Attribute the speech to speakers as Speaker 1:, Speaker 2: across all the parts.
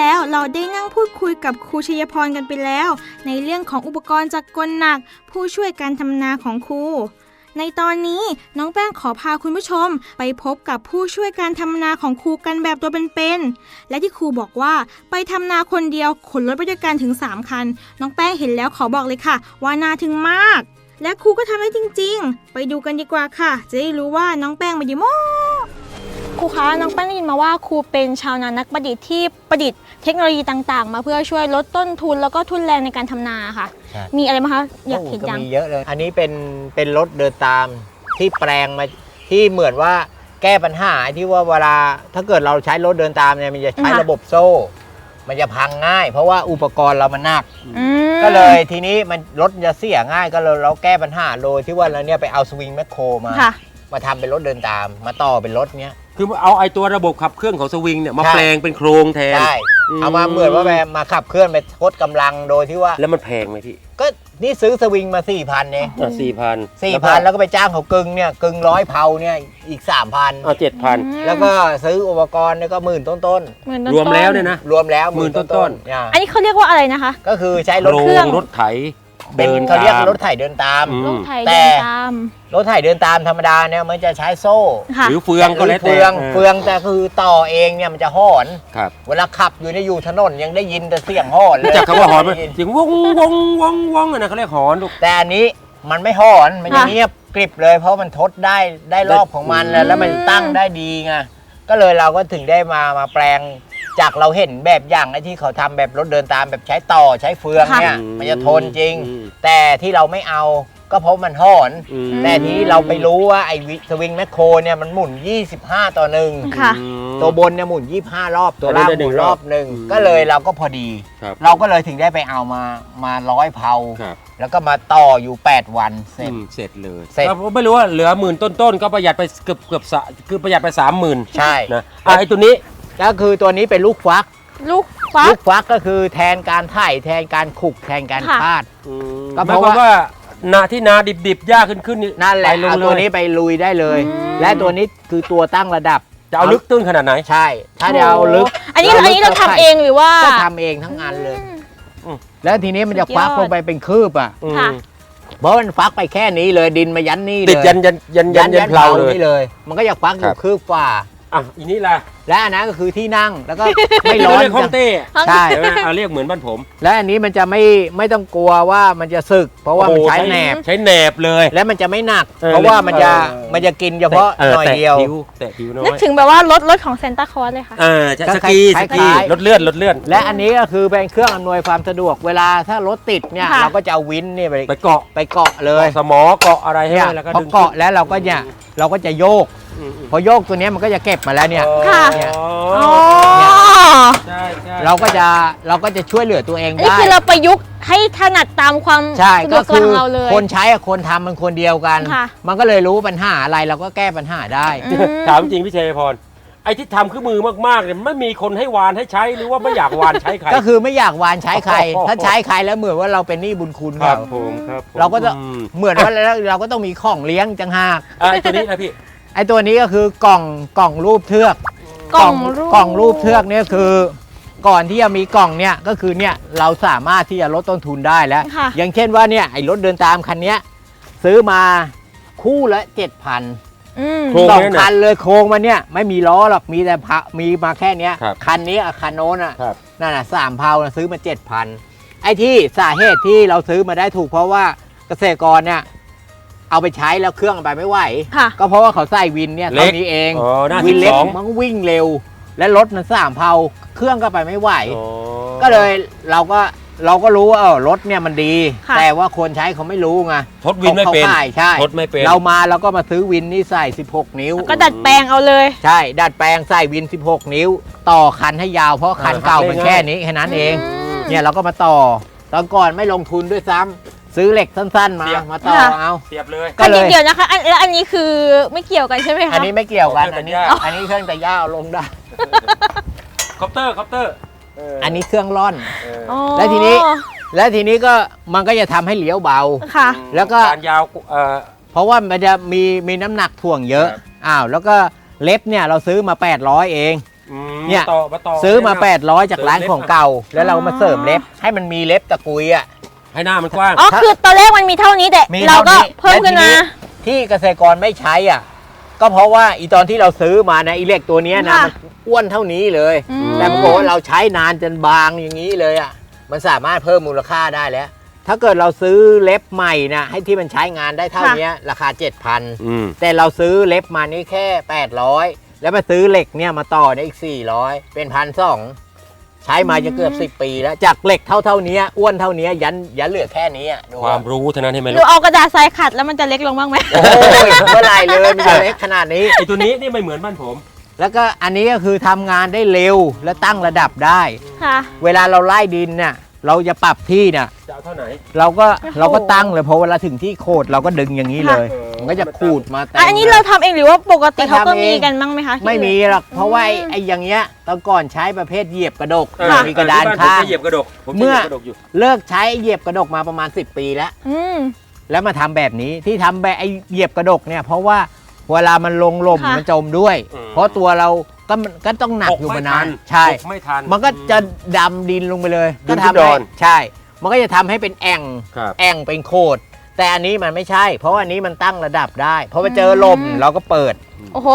Speaker 1: แล้วเราได้นั่งพูดคุยกับครูชัยพรกันไปแล้วในเรื่องของอุปกรณ์จักรกลหนักผู้ช่วยการทำนาของครูในตอนนี้น้องแป้งขอพาคุณผู้ชมไปพบกับผู้ช่วยการทำนาของครูกันแบบตัวเป็นๆและที่ครูบอกว่าไปทำนาคนเดียวขนรถไปด้วยกันถึง3คันน้องแป้งเห็นแล้วขอบอกเลยค่ะว่าน่าทึ่งมากและครูก็ทำได้จริงๆไปดูกันดีกว่าค่ะจะได้รู้ว่าน้องแป้งมาอยู่โมครูคะน้องแป้งได้ยินมาว่าครูเป็นชาวนานักประดิษฐ์ที่ประดิษฐ์เทคโนโลยีต่างๆมาเพื่อช่วยลดต้นทุนแล้วก็ทุนแรงในการทำนาค่ะมีอะไรไหมคะอยากเห็นจัง
Speaker 2: มีเยอะเลยอันนี้เป็นรถเดินตามที่แปลงมาที่เหมือนว่าแก้ปัญหาที่ว่าเวลาถ้าเกิดเราใช้รถเดินตามเนี่ยมันจะใช้ระบบโซ่ มันจะพังง่ายเพราะว่าอุปกรณ์เรามันหนักก็เลยทีนี้มันรถจะเสียง่ายก็เลยเราแก้ปัญหาโดยที่ว่าเราเนี่ยไปเอาสวิงแมคโครมาทำเป็นรถเดินตามมาต่อเป็นรถเนี้ย
Speaker 3: คือเอาไอ้ตัวระบบขับเคลื่อนของสวิงเนี่ยมาแปลงเป็นโครงแทน
Speaker 2: ใช่เอามาเหมือนว่ามาขับเคลื่อนไปทดกำลังโดยที่ว่า
Speaker 3: แล้วมันแพงไหมพี่
Speaker 2: ก็นี่ซื้อสวิงมา 4,000 เนี่ย4,000แล้วก็ไปจ้างเขากึ่งเนี่ยกึ่ง100เผาเนี่ยอีก 3,000
Speaker 3: 7,000
Speaker 2: แล้วก็ซื้ออุปกรณ์เนี่ยก็หมื่นต้น
Speaker 3: รวมแล้วเนี่ยนะ
Speaker 2: รวมแล้ว
Speaker 3: หมื่นต้น
Speaker 1: อันนี้เขาเรียกว่าอะไรนะคะ
Speaker 2: ก็คือใช้รถ
Speaker 3: เครื่องรถไถ
Speaker 2: เป็นเขาเรียกรถไถเดินตามแต่รถไถเดินตามธรรมดาเนี่ยมันจะใช้โซ่
Speaker 3: หรือเฟืองก็แล้วแต่
Speaker 2: เฟืองแต่คือต่อเองเนี่ยมันจะหอนเวลาขับอยู่ถนนยังได้ยินแต่เสียงหอนเลย
Speaker 3: จากคำว่าหอนเสียงวงนะเขาเรียกหอนลูก
Speaker 2: แต่อันนี้มันไม่หอนมันจะเงียบกริบเลยเพราะมันทดได้รอบของมันแล้วมันตั้งได้ดีไงก็เลยเราก็ถึงได้มาแปลงจากเราเห็นแบบอย่างไอ้ที่เขาทำแบบรถเดินตามแบบใช้ต่อใช้เฟืองเนี่ยมันจะทนจริงแต่ที่เราไม่เอาก็เพราะมันหอนแต่ทีนี้เราไปรู้ว่าไอ้สวิงแมคโครเนี่ยมันหมุน25 ต่อ 1ตัวบนเนี่ยหมุน25 รอบตัวล่างหมุนรอบหนึ่งก็เลยเราก็พอดีเราก็เลยถึงได้ไปเอามา100 เผาแล้วก็มาต่ออยู่8 วันเสร็จ
Speaker 3: เลยไม่รู้ว่าเหลือหมื่นต้นๆก็ประหยัดไปเกือบคือประหยัดไป 30,000
Speaker 2: ใช่
Speaker 3: นะไอ้ตัวนี้
Speaker 2: ก็คือตัวนี้เป็นลูกฟักก็คือแทนการไถแทนการขุกแทนการคาด
Speaker 3: ก็เพราะว่านาที่นาดิบๆยากขึ้น
Speaker 2: นั่นแหละเอาตัวนี้ไปลุยได้เลยและตัวนี้คือตัวตั้งระดับ
Speaker 3: จะเอาลึกตื้นขนาดไหน
Speaker 2: ใช่ถ้าจะเอาลึก
Speaker 1: อันนี้เราทำเองหรือว่า
Speaker 2: ก็ทำเองทั้งอันเลยแล้วทีนี้มันจะฟักลงไปเป็นคืบอ่ะเพราะมันฟักไปแค่นี้เลยดินมายันนี่เลย
Speaker 3: ติดยันเพลา
Speaker 2: เลยมันก็อยากฟักอยู่คืบฝ่า
Speaker 3: อีนี่แหละ
Speaker 2: และอันนั้นก็คือที่นั่งแล้วก็ไม่ร้อน
Speaker 3: เรียกห้องเต้
Speaker 2: ใช่
Speaker 3: เรียกเหมือนบ้านผม
Speaker 2: และอันนี้มันจะไม่ต้องกลัวว่ามันจะสึกเพราะว่ามันใช้แหนบเลยและมันจะไม่หนักเพราะว่ามันจะกินเฉพาะหน่อยเดียว
Speaker 3: แต่ผิวน้อย
Speaker 1: นึกถึงแบบว่ารถของเซนต้าคลอสเลยค่ะ
Speaker 3: สกีรถเลื่อน
Speaker 2: และอันนี้ก็คือเป็นเครื่องอำนวยความสะดวกเวลาถ้ารถติดเนี่ยเราก็จะเอาวินนี่ไปเกาะเลย
Speaker 3: สมอเกาะอะไรให้แล้วก็ดึง
Speaker 2: เกาะแล้วเราก็จะโยกพอโยกตัวนี้มันก็จะเก็บมาแล้วเนี่ยเราก็จะช่วยเหลือตัวเองได้
Speaker 1: นี่คือเราประยุกต์ให้ถนัดตามความ
Speaker 2: สะดวกของเราเลยคนใช้กับคนทำมันคนเดียวกันมันก็เลยรู้ปัญหาอะไรเราก็แก้ปัญหาได้
Speaker 3: ถามจริงพี่ชัยพรไอ้ที่ทำคือมือมากๆเนี่ยไม่มีคนให้วานให้ใช้หรือว่าไม่อยากวานใช้ใคร
Speaker 2: ก็คือไม่อยากวานใช้ใครถ้าใช้ใครแล้วเหมือนว่าเราเป็นหนี้บุญคุณ
Speaker 3: ครับ
Speaker 2: เราก็จะเหมือนว่าเราก็ต้องมีของเลี้ยงจังหาก
Speaker 3: ไอ้ตัวนี้นะพี่
Speaker 2: ไอ้ตัวนี้ก็คือกล่องรูปเทือกกล่องรูปเทือกเนี่ยคือก่อนที่จะมีกล่องเนี่ยก็คือเนี่ยเราสามารถที่จะลดต้นทุนได้แล้วอย่างเช่นว่าเนี่ยไอ้รถเดินตามคันนี้ซื้อมาคู่ละ 7,000 2 คันเลยโครงมันเนี่ยไม่มีล้อหรอกมีแต่มีมาแค่นี้คันนี้คันโน้นนั่นน่ะ3 เผาซื้อมา 7,000ไอ้ที่สาเหตุที่เราซื้อมาได้ถูกเพราะว่าเกษตรกรเนี่ยเอาไปใช้แล้วเครื่องไปไม่ไหวก็เพราะว่าเขาใส่วินเนี่ยเท่านี้เองวินเล็กมันวิ่งเร็วและรถมัน3 เผาเครื่องก็ไปไม่ไหวก็เลยเราก็รู้ว่ารถเนี่ยมันดีแต่ว่าคนใช้เขาไม่รู้ไง
Speaker 3: ทดวินไม่เป็น
Speaker 2: ใช่
Speaker 3: ทดไม่เป็น
Speaker 2: เราก็มาซื้อวินนี่ใส่16 นิ้ว
Speaker 1: ก็ดัดแปลงเอาเลย
Speaker 2: ใช่ดัดแปลงใส่วิน16 นิ้วต่อคันให้ยาวเพราะคันเก่ามันแค่นี้แค่นั้นเองเนี่ยเราก็มาต่อตอนก่อนไม่ลงทุนด้วยซ้ำซื้อเหล็กสั้นๆมาต่อเอา
Speaker 3: เสียบเลย
Speaker 1: ก็เกี่ยวนะคะแล้วอันนี้คือไม่เกี่ยวกันใช่ไหมคะ
Speaker 2: อันนี้ไม่เกี่ยวกันอันนี้เครื่องแต่ย่าลงได้
Speaker 3: คอปเตอร์
Speaker 2: อันนี้เครื่องร่อนแล้วทีนี้ก็มันก็จะทำให้เลี้ยวเบาแล้วก็
Speaker 3: การยาว
Speaker 2: เพราะว่ามันจะมีน้ำหนักถ่วงเยอะแล้วก็เล็บเนี่ยเราซื้อมา800เองเนี่ย
Speaker 3: ต่อ
Speaker 2: ซื้อมา800จากร้านของเก่า แล้วเรามาเสริมเล็บให้มันมีเล็บตะกุยอ่ะ
Speaker 3: ให้หน้ามันกว้าง
Speaker 1: อ๋อคือตอนแรกมันมีเท่านี้แต่
Speaker 2: มี
Speaker 1: เราก็
Speaker 2: ท่นี้
Speaker 1: เพิ่มขึ้นมา
Speaker 2: และทีที่เกษตรกรไม่ใช้อ่ะก็เพราะว่าอีตอนที่เราซื้อมานะอีเหล็กตัวเนี้ยนะ
Speaker 1: ค่ะ
Speaker 2: มันอ้วนเท่านี้เลย
Speaker 1: อืม
Speaker 2: แต่ปรากฏว่าเราใช้นานจนบางอย่างนี้เลยอ่ะมันสามารถเพิ่มมูลค่าได้แล้ว ถ้าเกิดเราซื้อเล็บใหม่นะให้ที่มันใช้งานได้เท่านี้ราคา 7,000 แต่เราซื้อเล็บมานี่แค่ 800 แล้วมาซื้อเหล็กเนี่ยมาต่อได้อีก 400 เป็น 1,200 ใช้มาจะเกือบ 10 ปีแล้วจากเหล็กเท่านี้อ้วนเท่านี้ยันเหลือแค่นี้อะดู
Speaker 3: ความรู้เท่านั้นให้ไหม
Speaker 1: ห
Speaker 3: ลู
Speaker 1: รื
Speaker 3: ก
Speaker 1: อเอากระดาษทรายขัดแล้วมันจะเล็กลงบ้างไหม
Speaker 2: โอ้ยเมื่อไหรเลยมันจะเล็กขนาดนี้
Speaker 3: ไอ้ตัวนี้นี่ไม่เหมือนบ้านผม
Speaker 2: แล้วก็อันนี้ก็คือทำงานได้เร็วและตั้งระดับได้
Speaker 1: ค่ะ
Speaker 2: เวลาเราไล่ดินเนี่ยเราจะปรับที่เนี่ย
Speaker 3: จะเอาเท่าไหน
Speaker 2: เราก็
Speaker 1: โอ้โห
Speaker 2: เราก็ตั้งเลยพอเวลาถึงที่โคดเราก็ดึงอย่างนี้เลย
Speaker 3: ค่ะ
Speaker 2: มันก็จะขูดมาแต่
Speaker 1: อันนี้เราทำเองหรือว่าปกติเขาก็
Speaker 2: ทำเอง
Speaker 1: มีกันบ้างไหมคะที่
Speaker 2: ไม่มีหรอกเพราะว่า
Speaker 1: อืม
Speaker 2: ไอ้อย่างเงี้ยตอนก่อนใช้ประเภทเหยียบกระดก
Speaker 1: ค่ะ
Speaker 2: มีกระดาน
Speaker 3: ที่บ้
Speaker 2: ข้าง
Speaker 3: ผมจะเหยียบกระดกผมจะ
Speaker 2: เมื่
Speaker 3: เห
Speaker 2: อ
Speaker 3: ยียบกระดกอยู่
Speaker 2: เลิกใช้เหยียบกระดกมาประมาณ10 ปีแล้ว
Speaker 1: อืม
Speaker 2: แล้วมาทำแบบนี้ที่ทำแบบไอ้เหยียบกระดกเนี่ยเพราะว่าเวลามันลงลม
Speaker 1: ค่ะ
Speaker 2: มันจมด้วย
Speaker 3: อืม
Speaker 2: เพราะตัวเราก็ต้องหนักอยู่มานานใช่
Speaker 3: หกไม่ทัน
Speaker 2: มันก็จะดำดินลงไปเลย
Speaker 3: ดิ
Speaker 2: ก็
Speaker 3: น
Speaker 2: ทำ
Speaker 3: ที่ด
Speaker 2: ให้
Speaker 3: อน
Speaker 2: ใช่ มันก็จะทำให้เป็นแอ่ง
Speaker 3: ครับ
Speaker 2: แอ่งเป็นโคดแต่อันนี้มันไม่ใช่ เพราะว่าอันนี้มันตั้งระดับได้เพราะว่าเจอลมเราก็เปิด
Speaker 1: โอ้โห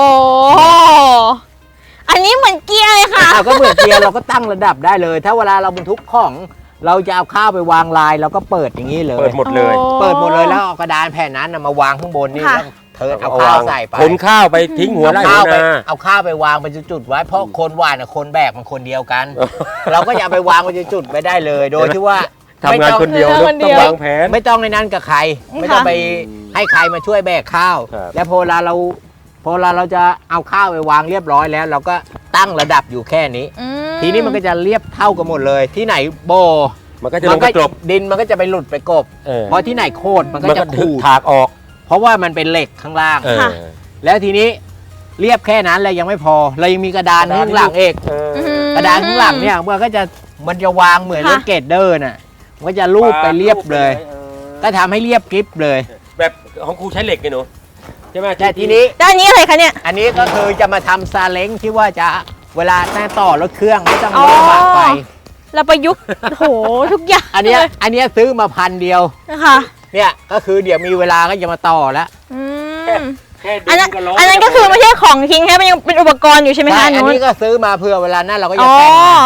Speaker 1: อันนี้เหมือนเกียร์เลยค่ะ
Speaker 2: เราก็เปิดเกียร์เราก็ตั้งระดับได้เลย ถ้าเวลาเราบรรทุกของเราจะเอาข้าวไปวางลายเราก็เปิดอย่างนี้เลย
Speaker 3: เปิดหมดเลย
Speaker 1: โอ้
Speaker 2: เปิดหมดเลยแล้วเอากระดานแผ่นนั้นน่ะมาวางข้างบนนี่
Speaker 1: ค่ะ
Speaker 2: แล้วเธอเอาข้าวใส่ไป
Speaker 3: ขนข้าวไปทิ้งหัว
Speaker 2: เอา
Speaker 3: ไร่
Speaker 2: ข้าว
Speaker 3: หัว
Speaker 2: ไป
Speaker 3: นา
Speaker 2: เอาข้าวไปวางเป็นจุดๆไว้เพราะคนหวานกับคนแบกมันคนเดียวกัน เราก็อย่าไปวางเป็นจุดๆไม่ได้เลย โดยที่ว่า
Speaker 3: ทำงานคนเดียว
Speaker 1: ไม่
Speaker 3: ลู
Speaker 1: ต้
Speaker 3: ก
Speaker 1: อง
Speaker 3: ต้องวางแผน
Speaker 2: ไม่ต้องในนั้นกับใคร
Speaker 1: ค่ะ
Speaker 2: ไม่ต้องไปให้ใครมาช่วยแบกข้าว
Speaker 3: ครับ
Speaker 2: แล้วพอเวลาเราจะเอาข้าวไปวางเรียบร้อยแล้ว เราก็ตั้งระดับอยู่แค่นี้
Speaker 1: อื
Speaker 2: ทีนี้มันก็จะเรียบเท่ากันหมดเลย ที่ไหนโบ
Speaker 3: มันก็จะลงไปกลบ
Speaker 2: ดินมันก็จะไปหลุดไปกบ
Speaker 3: เออ
Speaker 2: เพราะที่ไหนโคตรมันก็
Speaker 3: มัน
Speaker 2: จะ
Speaker 3: ก็
Speaker 2: ขูด
Speaker 3: ถากออก
Speaker 2: เพราะว่ามันเป็นเหล็กข้างล่าง
Speaker 3: เออ
Speaker 2: แล้วทีนี้เรียบแค่นั้นเลยยังไม่พอเรายังมีกระดาน
Speaker 3: กระดาน
Speaker 2: ข้างหลังเอก
Speaker 3: เออ
Speaker 1: อืม
Speaker 2: กระดานข้างหลังเนี่ยมันจะวางเหมือน
Speaker 1: ค่ะ
Speaker 2: รถเกรดเดอร์น่ะมันก็จะลูบไปเรียบเลย ก็ทำให้เรียบกริบเลย
Speaker 3: แบบของครูใช้เหล็กไงหนูใช่ไหม
Speaker 2: แต่ทีนี้
Speaker 1: ด้านนี้อะไรคะเนี่ย
Speaker 2: อันนี้ก็คือจะมาทำซาเล้งที่ว่าจะเวลาแต้ต่อรถเครื่องไม่ต้อง
Speaker 1: อ๋อ
Speaker 2: รถบากไป
Speaker 1: เราประยุกต์ โห ทุกอย่าง
Speaker 2: อันเนี้ยซื้อมา1,000 เดียว
Speaker 1: นะคะ
Speaker 2: เนี่ยก็คือเดี๋ยวมีเวลาก็จะมาต่อแล้ว
Speaker 1: อืม
Speaker 3: แค่ดึ
Speaker 1: อันนั้น
Speaker 3: งกับล้
Speaker 1: อันนั้นก็คือไม่ใช่ของทิ้งแค่มันยังเป็นอุปกรณ์อยู่ใช่ไหม
Speaker 2: ใช่
Speaker 1: คะ
Speaker 2: อัน
Speaker 1: นู้น
Speaker 2: นี้ก็ซื้อมาเพื่อเวลานั้นเราก็จะ
Speaker 1: อ๋อ
Speaker 2: แต่งงาน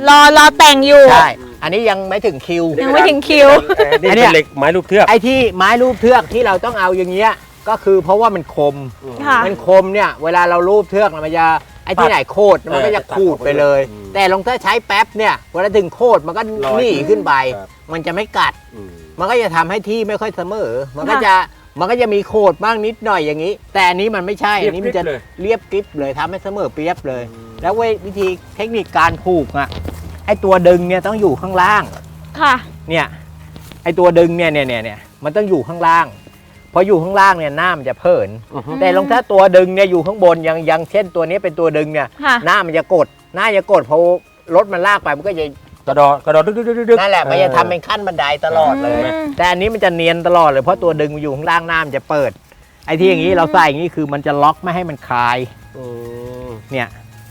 Speaker 1: รอแต่งอยู่
Speaker 2: ใช่ อันนี้ยังไม่ถึงคิว
Speaker 1: ยังไม่ถึงคิว
Speaker 3: นี่
Speaker 2: อันเนี้
Speaker 3: เป็
Speaker 2: ย
Speaker 3: นเหล็กไม้รูปเทือก
Speaker 2: ไอ้ที่ไม้รูปเทือกที่เราต้องเอาอย่างเงี้ยก็คือเพราะว่ามันคม
Speaker 1: ค่ะ
Speaker 2: มันคมเนี่ยเวลาเรารูปเทือกมันจะไอ้ที่ไหนโคตรมันก็จะขูดไปเลย แต่ลงถ้าใช้แป๊บเนี่ยเวลาถึงโคตรมันก็
Speaker 3: ลอย
Speaker 2: หนีขึ้นไป
Speaker 3: ครับ
Speaker 2: มันจะไม่กัด
Speaker 3: อืม
Speaker 2: มันก็จะทำให้ที่ไม่ค่อยเสมอ มันก็
Speaker 1: ค่ะ
Speaker 2: จะมีโคตรบ้างนิดหน่อยอย่างนี้ แต่อันนี้มันไม่ใช่
Speaker 3: เรียบ
Speaker 2: อันนี้มันจะ
Speaker 3: กริบเลย
Speaker 2: เรียบกริบเลยทำให้เสมอเปียบเลย
Speaker 3: อืม
Speaker 2: แล้ววิธีเทคนิคการผูกอ่ะไอ้ตัวดึงเนี่ยต้องอยู่ข้างล่าง
Speaker 1: ค่ะ
Speaker 2: เนี่ยไอ้ตัวดึงเนี่ยมันต้องอยู่ข้างล่างพออยู่ข้างล่างเนี่ยหน้ามันจะเผิน
Speaker 3: อือฮึ
Speaker 2: แต่ลองถ้าตัวดึงเนี่ยอยู่ข้างบนอย่างเช่นตัวนี้เป็นตัวดึงเนี่ย
Speaker 1: ค่ะ
Speaker 2: หน้ามันจะกดพอรถมันลากไปมันก็จะ
Speaker 3: กระดอดึกดึกดึกดึก
Speaker 2: นั่นแหละมันจะทำเป็นขั้นบันไดตลอดเลย
Speaker 1: อืม
Speaker 2: แต่อันนี้มันจะเนียนตลอดเลยเพราะตัวดึงมันอยู่ข้างล่างหน้ามันจะเปิด ไอ้ที่อย่างนี้เราใส่อย่างนี้คือมันจะล็อกไม่ให้มันคลาย
Speaker 3: อืม
Speaker 2: เนี่ย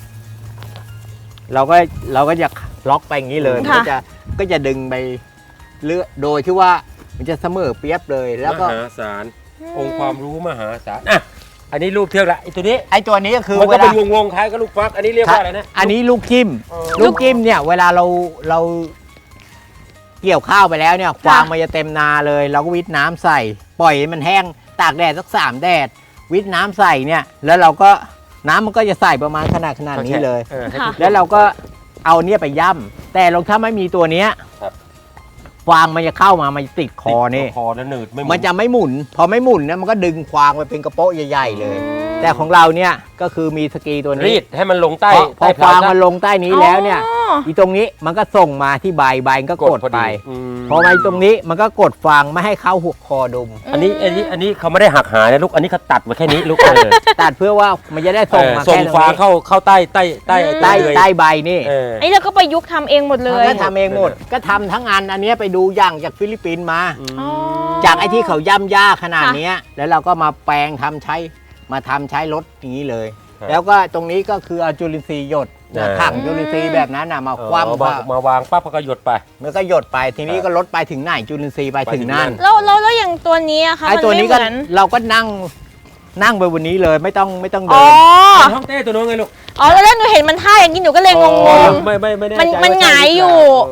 Speaker 2: เราก็จะล็อกไปอย่างนี้เลย
Speaker 1: ค่ะ
Speaker 2: ก็จะดึงไปเรื่อยโดยที่ว่ามันจะเสมอเปียบเลยแล้วก็
Speaker 3: มหาศาลองค์ความรู้มหาศาลอ่ะอันนี้รูปเทือกละไอ้ตัวนี้
Speaker 2: ไอ้ตัวนี้ก็คือ
Speaker 3: มัน
Speaker 2: เว
Speaker 3: ก็
Speaker 2: ลา
Speaker 3: เป็นวงๆคล้ายกับลูกฟัก อันนี้เรียกว่าอะไรนะ
Speaker 2: อันนี้ลูกจิ้ม
Speaker 3: เออ
Speaker 2: ลูกจิ้มเนี่ยเวลาเราเกี่ยวข้าวไปแล้วเนี่ยฟางมันจะเต็มนาเลย เราก็วิทน้ำใส่ ปล่อยให้มันแห้งตากแดดสัก3 แดด วิทน้ำใส่เนี่ย แล้วเราก็น้ำมันก็จะใส่ประมาณขนาดนี้เลย
Speaker 3: ออให้
Speaker 1: ค่ะ
Speaker 3: ทุก
Speaker 2: แล้วเราก็เอาเนี่ยไปย่ำแต่ลองถ้าไม่มีตัวเนี้ย
Speaker 3: ครับ
Speaker 2: ฟางมันจะเข้ามามันจะติดคอนี่
Speaker 3: คอแล้วหนืดไม่ห
Speaker 2: มันจะไม่หมุน พอไม่หมุนเนี่ยมันก็ดึงฟางไปเป็นกระโปะใหญ่ๆเลย แต่ของเราเนี่ยก็คือมีสกีตัว
Speaker 3: รี
Speaker 2: นี้
Speaker 3: ดให้มันลงใต้
Speaker 2: พอ
Speaker 3: ใต้
Speaker 2: ฟาง
Speaker 3: ซะ
Speaker 2: มันลงใต้นี้แล้วเนี่ย
Speaker 1: อ๋อ
Speaker 2: อีตรงนี้มันก็ส่งมาที่ใบก็กด
Speaker 3: พอ
Speaker 2: ไป
Speaker 3: ม
Speaker 2: พอมาตรงนี้มันก็กดฟางไม่ให้เข้าหัวคอดุม
Speaker 3: อันนี้เขาไม่ได้หักหายนะลูก อันนี้เขาตัดมาแค่นี้ลูก
Speaker 2: ตัดเพื่อว่ามันจะได้ส่งมา
Speaker 3: ส่ง
Speaker 2: แค่ตรง
Speaker 3: ฟาง
Speaker 2: นี้
Speaker 3: เข้าใต้
Speaker 2: ใต้
Speaker 3: เลย
Speaker 2: ใต้ใบนี่
Speaker 3: เออ
Speaker 1: อันนี้เราก็ประยุกต์ทำเองหมดเล
Speaker 2: มัน
Speaker 1: ย
Speaker 2: ก็ทำเองหมด ก็ทำทั้งอันอันเนี้ยไปดูอย่างจากฟิลิปปินส์มา
Speaker 1: อ๋อ
Speaker 2: จากไอ้ที่เขาย่ำย่าขนาด
Speaker 1: ค่ะ
Speaker 2: เนี้ยแล้วเราก็มาแปลงทำใช้รถอย่างนี้เลย
Speaker 3: ครับ
Speaker 2: แล้วก็ตรงนี้ก็คือเอาจุลินทรีย์หยดถังจุลินทรีย์แบบนั้นมาคว่ำ
Speaker 3: มาวางปั๊บก็หยดไป
Speaker 2: มันก็หยดไปทีนี้ก็ลดไปถึงไหนจุลินทรีย์ไปถึงนั่น
Speaker 1: แล้วอย่างตัวนี้อะคะ
Speaker 2: ไอ้ตัวนี้ก็
Speaker 1: มัไม่เหมือน
Speaker 2: เราก็นั่งไปบนนี้เลยไม่ต้องเดิ
Speaker 1: อ๋อน
Speaker 3: ห้องเต้ตัวนู้นไงลูก
Speaker 1: อ๋อแล้วหนูเห็นมันท่าอย่างนี้หนูก็เลยงง
Speaker 3: ไม่แน่ใจ
Speaker 1: มันหงายอยู่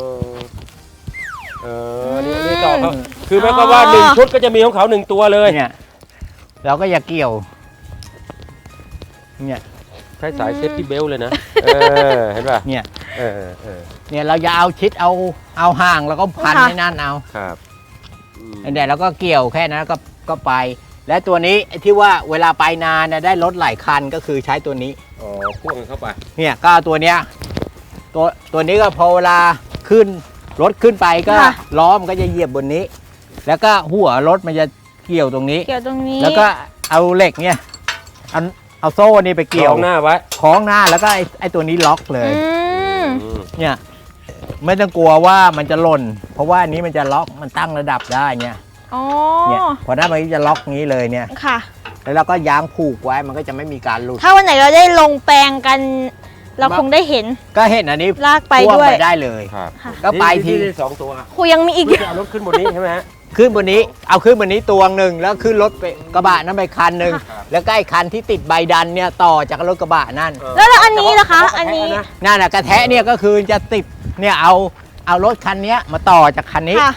Speaker 3: นี่ต่อเขาคือหมายความว่า1 ชุดก็จะมีของเขา1 ตัวเลย
Speaker 2: เนี่ยเราก็อย่าเกี่ยวเนี่ย
Speaker 3: ใช้สายเซฟตี้เบลต์เลยนะเห็นป่ะ
Speaker 2: เนี่ย
Speaker 3: เนี่ย
Speaker 2: เราอย่าเอาชิดเอาห่างแล้วก็พันให้นั่นเอา
Speaker 3: ครับ
Speaker 2: เนี่ยเราก็เกี่ยวแค่นั้นก็ไป และตัวนี้ที่ว่าเวลาไปนานได้รถหลายคันก็คือใช้ตัวนี้
Speaker 3: อ๋อพ่วงเข้าไป
Speaker 2: เนี่ยก็เอาตัวเนี้ยตัวนี้ก็พอเวลาขึ้นรถขึ้นไปก็ล้อมันก็จะเหยียบบนนี้ แล้วก็หัวรถมันจะเกี่ยวตรงนี้
Speaker 1: เกี่ยวตรงนี้
Speaker 2: แล้วก็เอาเหล็กเนี่ยเอาโซ่นี่ไปเกี่ยว
Speaker 3: หน้าไว้
Speaker 2: คล้องหน้าแล้วก็ไอ้ตัวนี้ล็อกเลย
Speaker 1: ม
Speaker 2: เนี่ยไม่ต้องกลัวว่ามันจะหล่นเพราะว่าอันนี้มันจะล็อกมันตั้งระดับได้เนี่ย
Speaker 1: อ๋อ
Speaker 2: เนี่ยพอหน้ามันจะล็อกนี้เลยเนี่ย
Speaker 1: ค่ะ
Speaker 2: แล้วเราก็ย้างผูกไว้มันก็จะไม่มีการหลุด
Speaker 1: ถ้าวันไหนเราได้ลงแปลงกัน เราคงได้เห็น
Speaker 2: ก็เห็นอันนี้
Speaker 1: ลากไป
Speaker 2: พ่วง
Speaker 1: ด้วย
Speaker 2: ไปได้เลย
Speaker 3: ครับ
Speaker 1: ค่ะ
Speaker 2: ก็ไปที
Speaker 3: นี่2 ตัว
Speaker 1: ครูยังมีอีก
Speaker 3: เพื่อจะเอารถขึ้นบนนี้ใช่ไหมฮะ
Speaker 2: ขึ้นบนนี้เอาขึ้นบนนี้ตัวหนึ่งแล้วขึ้นรถไปกระบะนั้นไปคันหนึ่ง
Speaker 3: ครับ
Speaker 2: แล้วก็ไอ้คันที่ติดใบดันเนี่ยต่อจากรถกระบะนั่น
Speaker 1: แล้วอันนี้ล่ะคะ อันนี้
Speaker 2: นั่นน่ะกระแทะเนี่ยก็คือจะติดเนี่ยเอารถคันเนี้ยมาต่อจากคันนี้
Speaker 1: ค่ะ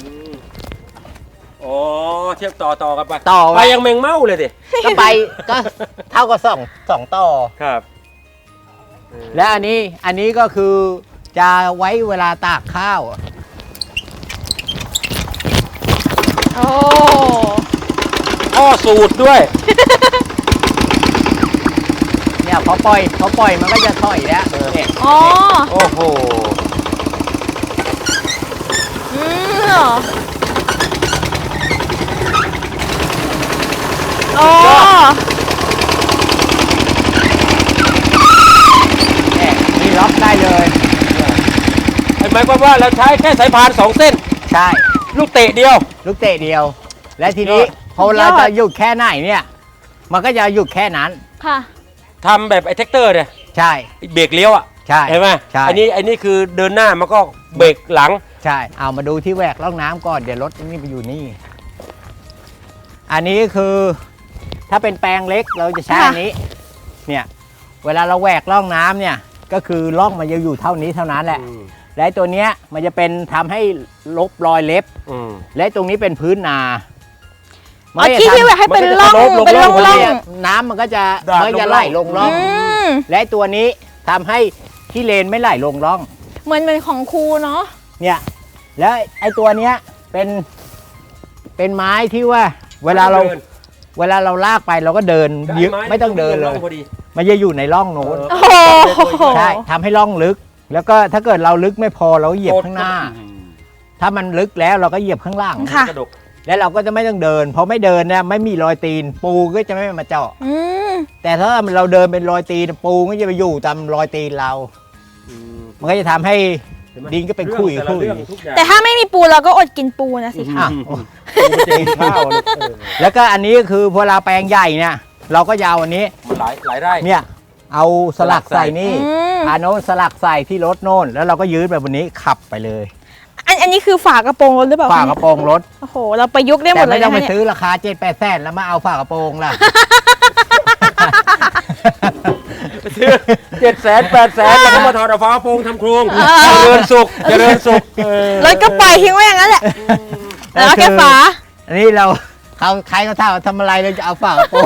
Speaker 3: อ๋อเทียบต่อกันไป
Speaker 2: ต่อไว้
Speaker 3: ไปยังแมงเม่าเลยดิ
Speaker 2: ก็ไปก็เท่ากับสองต่อ
Speaker 3: ครับ
Speaker 2: และอันนี้ก็คือจะไว้เวลาตากข้าว
Speaker 1: โอ้
Speaker 3: อ้อสูตรด้วย
Speaker 2: เนี่ยพอปล่อยมันก็จะถอยแล้วเนี่ย
Speaker 1: อ๋อ
Speaker 3: โอ้โห
Speaker 1: เหรออ๋อ
Speaker 2: เนี่ยนี่ล็อกได้เลย
Speaker 3: หมายความว่าเราใช้แค่สายพาน2 เส้น
Speaker 2: ใช่
Speaker 3: ลูกเตะเดียว
Speaker 2: ลูกเตะเดียว และทีนี้
Speaker 3: ยอด
Speaker 2: พอเราจะหยุดแค่ไหนเนี่ย มันก็จะหยุดแค่นั้น
Speaker 1: ค่ะ
Speaker 3: ทำแบบไอ้แท็กเตอร์เนี่ย
Speaker 2: ใช่
Speaker 3: เบรกเลี้ยวอ่ะ
Speaker 2: ใช่
Speaker 3: เห็นไหม
Speaker 2: ใช่
Speaker 3: อันนี้คือเดินหน้ามันก็เบรกหลัง
Speaker 2: ใช่เอามาดูที่แหวกร่องน้ำก่อนเดี๋ยวรถนี่ไปอยู่นี่ อันนี้คือถ้าเป็นแปลงเล็กเราจะใช้
Speaker 1: ค่ะ
Speaker 2: อันนี้ เนี่ยเวลาเราแหวกร่องน้ำเนี่ยก็คือร่องมันจะอยู่เท่านี้เท่านั้นแหละ และตัวเนี้ยมันจะเป็นทำให้ลบรอยเล็บ และตรงนี้เป็นพื้นนา
Speaker 1: อ๋อที่ที่แบบให้เป็นร่อง
Speaker 3: มันก็จะ
Speaker 1: เป็นร่อง
Speaker 3: ลบ
Speaker 1: ร่อง
Speaker 2: เนี่ยน้ำมันก็จะ
Speaker 3: ดาด
Speaker 2: มันจะ
Speaker 3: ลงร่อง
Speaker 2: ไหลลงร่อง
Speaker 1: ม
Speaker 2: และตัวนี้ทำให้ขี้เลนไม่ไหลลงร่อง
Speaker 1: เหมือนของครูเนาะ
Speaker 2: เนี่ยแล้วไอ้ตัวเนี้ยเป็นไม้ที่ว่าเวลาเราลากไปเราก็เดินยึดไม่ต้องเดินเลย
Speaker 3: พอดี
Speaker 2: มันจะอยู่ในร่องโน้น
Speaker 1: โอ้โห
Speaker 2: ใช่ทำให้ร่องลึก แล้วก็ถ้าเกิดเราลึกไม่พอเราก็เหยียบข้างหน้า ถ้ามันลึกแล้วเราก็เหยียบข้างล่าง
Speaker 1: ค่ะ
Speaker 3: กระดก
Speaker 2: แล้วเราก็จะไม่ต้องเดินเพราะไม่เดินเนี่ยไม่มีรอยตีนปูก็จะไม่มาเจาะ
Speaker 1: อืม
Speaker 2: แต่ถ้าเราเดินเป็นรอยตีนปูก็จะไปอยู่ตามรอยตีนเรา มันก็จะทำให้ดินก็เป็นขุย
Speaker 3: เรื่องทุกอย่าง
Speaker 1: แต่ถ้าไม่มีปูเราก็อดกินปูนะสิคะ
Speaker 2: อ่ะ
Speaker 3: ปูมันจะกินข้าวลูก
Speaker 2: แล้วก็อันนี้ก็คือพอเราแปลงใหญ่เนี่ยเราก็จะเอาอันนี้
Speaker 3: มันหลายไร่
Speaker 2: เนี่ยเอาสลักใส่นี่
Speaker 1: อืม
Speaker 2: อาโน้นสลักใส่ที่รถโน่นแล้วเราก็ยืดแบบนี้ขับไปเลย
Speaker 1: อันนี้คือฝากระโปรงรถหรือเปล่า
Speaker 2: ฝากระโปรงรถ
Speaker 1: โอ้โห เราประยุกต์ได้หม
Speaker 2: แต่
Speaker 1: ดเล
Speaker 2: ไม่
Speaker 1: ย
Speaker 2: ต้อ
Speaker 1: นะ
Speaker 2: งไป
Speaker 1: คะ
Speaker 2: ซื้
Speaker 1: เนี่ย
Speaker 2: อราคา7-8 แสนแล้วมาเอาฝากระโปรงล่ะ
Speaker 3: ซื้อ700,000-800,000แล้วก็มาถอดฝาโปรงทำโครงเจริญสุข
Speaker 1: รถก็ปล่อยทิ้งไว้อย่างนั้นแหละ แล้วเอาแค่ฝา
Speaker 2: อันนี้เราใครเขาถามว่าทำอะไรเราจะเอาฝากระโปรง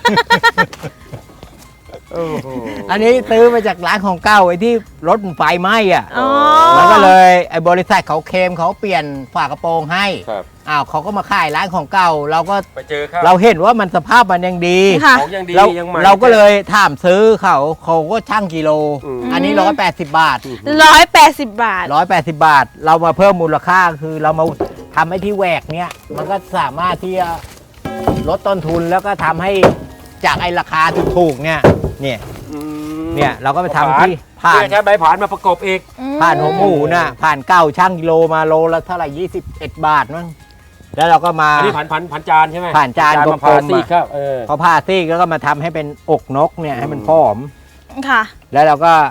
Speaker 2: อันนี้ซื้อมาจากร้านของเก่าไอ้ที่รถมันไฟไหม้อ่ะ
Speaker 1: อ๋อ
Speaker 2: แล้วก็เลยไอ้บริษัทเขาเคลมเขาเปลี่ยนฝากระโปรงให้
Speaker 3: ครับ
Speaker 2: อ้าวเขาก็มาขายร้านของเก่า เราก็
Speaker 3: ไปเจอข้าว
Speaker 2: เราเห็นว่ามันสภาพมันยังดี
Speaker 1: ค่ะ
Speaker 3: ของยังดี
Speaker 2: เรา
Speaker 3: ยังใหม่
Speaker 2: เราก็เลยถามซื้อเขาก็ช่างกิโล
Speaker 3: อืม
Speaker 2: อันนี้180 บาท
Speaker 1: 180 บาท
Speaker 2: 180 บาท เรามาเพิ่มมูลค่าคือเรามาทำให้ที่แหวกเนี้ยมันก็สามารถที่จะลดต้นทุนแล้วก็ทำให้จากไอ้ราคาถูกๆเนี่ยเราก็ไปทำที่ผ่าน
Speaker 3: ใช้ใบผ่านมาประกบอีก
Speaker 2: ผ่านหัวหมูน่ะผ่านเก้าช่างกิโลมาโลละเท่าไหร่21 บาทมั้งแล้วเราก็มา
Speaker 3: อันนี้ผ่านจานใช่ไหม
Speaker 2: ผ่านจาน
Speaker 3: มาก
Speaker 2: ลมๆ
Speaker 3: ผ่านซีกครับ
Speaker 2: เขาผ่าซีกแล้วก็มาทำให้เป็นอกนกเนี่ยให้มันพร้อม
Speaker 1: ค่ะ
Speaker 2: แล้วเราก็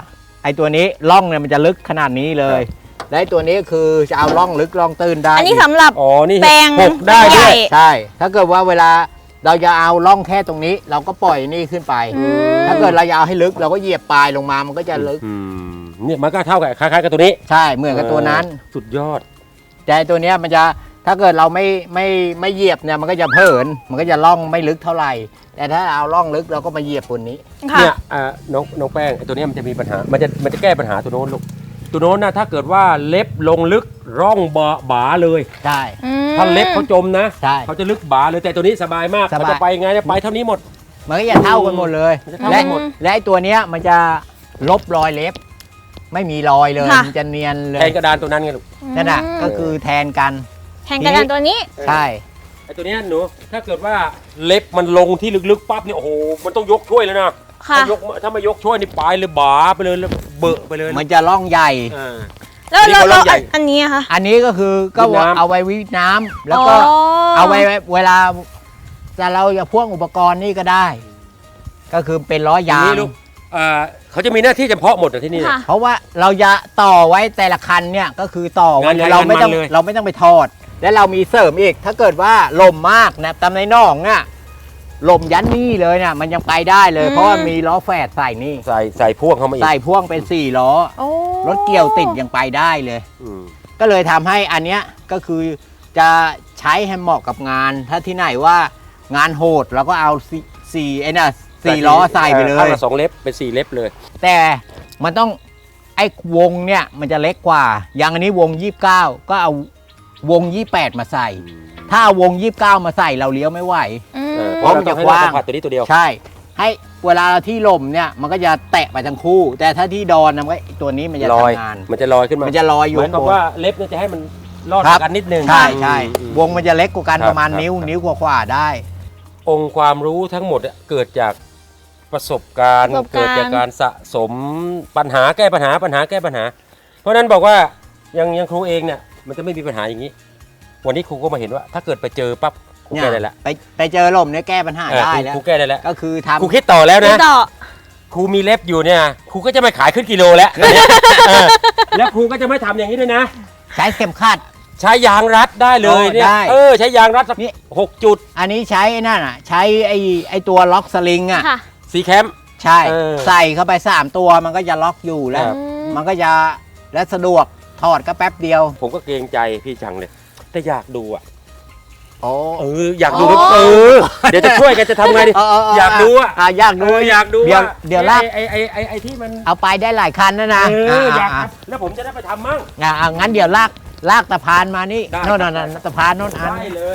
Speaker 2: ไอ้ตัวนี้ร่องเนี่ยมันจะลึกขนาดนี้เลย และไอ้ตัวนี้คือจะเอาร่องลึกร่องตื้นได้
Speaker 1: อันนี้สำหรับ
Speaker 3: อ๋อนี่
Speaker 1: แปลง
Speaker 3: หกได้ด้
Speaker 1: ให
Speaker 3: วย
Speaker 1: ญ่
Speaker 2: ใช่ ถ้าเกิดว่าเวลาเราจะเอาร่องแค่ตรงนี้ เราก็ปล่อยนี่ขึ้นไป
Speaker 1: อืม
Speaker 2: ถ้าเกิดเราจะเอาให้ลึกเราก็เหยียบปลายลงมามันก็จะลึก
Speaker 3: เนี่ยมันก็เท่ากับคล้ายๆกับตัวนี้
Speaker 2: ใช่เหมือนกับตัวนั้น
Speaker 3: สุดยอด
Speaker 2: แต่ตัวเนี้ยมันจะถ้าเกิดเราไม่เหยียบเนี่ยมันก็จะเผินมันก็จะล่องไม่ลึกเท่าไหร่ แต่ถ้าเอาล่องลึกเราก็มาเหยียบบนนี้
Speaker 1: ค่ะ
Speaker 3: เนี่ยน้องแป้งไอ้ตัวเนี้ยมันจะมีปัญหามันจะแก้ปัญหาตัวโน้นลูกตัวโน้นนะถ้าเกิดว่าเล็บลงลึกร่องบาเลย
Speaker 2: ใช่
Speaker 3: ถ้าเล็บเขาจมนะ
Speaker 2: ใช่
Speaker 3: เขาจะลึกบาเลยแต่ตัวนี้สบายมาก
Speaker 2: สบาย
Speaker 3: มันจะไปไงเนี่ยไปเท่านี้หมด
Speaker 2: มันก็จะเท่ากันหมดเลย
Speaker 3: มันจะเท่า
Speaker 2: และ
Speaker 3: กันหมด
Speaker 2: และไอ้ตัวเนี้ยมันจะลบรอยเล็บ ไม่มีรอยเลย
Speaker 1: ค่ะ
Speaker 2: มันจะเนียนเล
Speaker 3: แท
Speaker 2: ย
Speaker 3: นกระดานตัวนั้นไงลูก
Speaker 2: นั่นน่ะก็คือแทนกัน
Speaker 1: แทนกระดานตัวนี้
Speaker 2: ใช่
Speaker 3: ไอ้ตัวเนี้ยหนูถ้าเกิดว่าเล็บมันลงที่ลึกๆปั๊บเนี่ยโอ้โหมันต้องยกช่วยเลยนะ
Speaker 1: ค่ะ
Speaker 3: ถ้าไม่ยกช่วยนี่ไปเลยบาไปเลยแล้วเบอะไปเลยนะ
Speaker 2: มันจะล่องใหญ่
Speaker 3: อ่า
Speaker 1: แล้ว
Speaker 3: นี่เขาเริ่มใหญ่
Speaker 1: อันนี้อะคะ
Speaker 2: อันนี้ก็คือก็
Speaker 3: วิทน้ำ
Speaker 2: เอาไว้วิทน้ำแล้วก็ เอาไว้เวลาจะเราจะพ่วงอุปกรณ์นี่ก็ได้ ก็คือเป็นล้อยาง
Speaker 3: นี่ลูกเขาจะมีหน้าที่เฉพาะหมดอะที่นี่นะ
Speaker 1: ค่ะ
Speaker 2: เพราะว่าเราจะต่อไว้แต่ละคันเนี่ยก็คือต่อไว้
Speaker 3: งานใคร
Speaker 2: เราไม่ต้อง
Speaker 3: งานมันเลย
Speaker 2: เราไม่ต้องไปทอด แล้วเรามีเสริมอีก ถ้าเกิดว่าลมมากนะตามในน่องเนี่ยลมยันนี่เลยเนี่ยมันยังไปได้เลย เพราะว่ามีล้อแฝดใส่นี่
Speaker 3: ใส่พ่วงเข้ามาอีก
Speaker 2: ใส่พ่วงเป็น4ล้อ
Speaker 1: โอ้
Speaker 2: รถเกี่ยวติดยังไปได้เลย
Speaker 3: อืม
Speaker 2: ก็เลยทำให้อันเนี้ยก็คือจะใช้ให้เหมาะกับงาน ถ้าที่ไหนว่างานโหดเราก็เอาสี่ล้อใส่ไปเล
Speaker 3: ข้าง
Speaker 2: ย
Speaker 3: ละ2 เล็บเป็น4 เล็บเลย
Speaker 2: แต่มันต้องไอ้วงเนี่ยมันจะเล็กกว่า อย่างอันนี้วง 29 ก็เอาวง 28 มาใส่ ถ้าเอาวง 29 มาใส่เราเลี้ยวไม่ไหว
Speaker 1: อืม
Speaker 2: เพราะมันจะกว้าง
Speaker 3: สัมผัสตัวนี้ตัวเดียว
Speaker 2: ใช่ ให้เวลาที่ลมเนี่ยมันก็จะแตะไปทั้งคู่ แต่ถ้าที่ดอนนะมันก็ตัวนี้มันจะ
Speaker 3: ลอย
Speaker 2: ทำงาน
Speaker 3: มันจะลอยขึ้นมา
Speaker 2: มันจะลอยอยู่
Speaker 3: หมายความ
Speaker 2: ข้างบน
Speaker 3: ว่าเล็บเนี่ยจะให้มันรอด
Speaker 2: ครับ
Speaker 3: กันนิดนึง
Speaker 2: ใช่ใช่
Speaker 3: อืม
Speaker 2: วงมันจะเล็กกว่ากัน
Speaker 3: ครับ
Speaker 2: ประมาณ
Speaker 3: ครับ
Speaker 2: นิ้วกว่าๆได้
Speaker 3: องค์ความรู้ทั้งหมดอะเกิดจากประสบการณ์
Speaker 1: ประสบการณ์
Speaker 3: เกิดจากการสะสมปัญหาแก้ปัญหาแก้ปัญหา เพราะฉะนั้นบอกว่ายังครูเองเนี่ยมันจะไม่มีปัญหาอย่างนี้ วันนี้ครูก็มาเห็นว่า ถ้าเกิดไปเจอปั๊บครูแก้ได้แล้ว
Speaker 2: ไปเจอลมเนี่ยแก้ปัญหาได้แล้ว
Speaker 3: ครูแก้ได้แล้ว
Speaker 2: ก็คือทำ
Speaker 3: ครูคิดต่อแล้ว
Speaker 1: นี่
Speaker 3: นะ
Speaker 1: ต่อ
Speaker 3: ครูมีเล็บอยู่เนี่ยครูก็จะไม่ขายขึ้นกิโลแล้ว เออแล้วครูก็จะไม่ทำอย่างนี้ด้วยนะ
Speaker 2: ใช้เข็มขัด
Speaker 3: ใช้ยางรัดได้เลยเนี่ย
Speaker 2: ได้
Speaker 3: ใช้ยางรัดสัก
Speaker 2: นี่
Speaker 3: 6 จุด
Speaker 2: อันนี้ใช้ไอ้นั่นอ่ะ ใช้ไอ้ตัวล็อกสลิงอ่ะ
Speaker 1: ค่ะ
Speaker 3: สีแคมป์
Speaker 2: ใช่
Speaker 3: เออ
Speaker 2: ใส่เข้าไป3ตัวมันก็จะล็อกอยู่แล้ว
Speaker 3: ครับ
Speaker 2: มันก็จะและสะดวกถอดก็แป๊บเดียว
Speaker 3: ผมก็เกรงใจพี่จังเลยแต่อยากดูอ่ะ
Speaker 2: โอ้
Speaker 3: อยากดู
Speaker 1: อ๋อ
Speaker 3: เดี๋ยวจะช่วยกันจะทำไงดิ อยากดูอ่ะ
Speaker 2: อยากดู
Speaker 3: อยากดู
Speaker 2: เดี๋ยว
Speaker 3: ว่า
Speaker 2: เดี๋ยวลาก
Speaker 3: ไอ้ที่มัน
Speaker 2: เอาไปได้หลายคันนะนะ
Speaker 3: อยากทำแล้วผมจะได้ไปทำมั่ง
Speaker 2: งั้นเดี๋ยวลากตะพานมานี่
Speaker 3: ได้
Speaker 2: โน่นตะพานโน่นอัน
Speaker 3: ได้เลย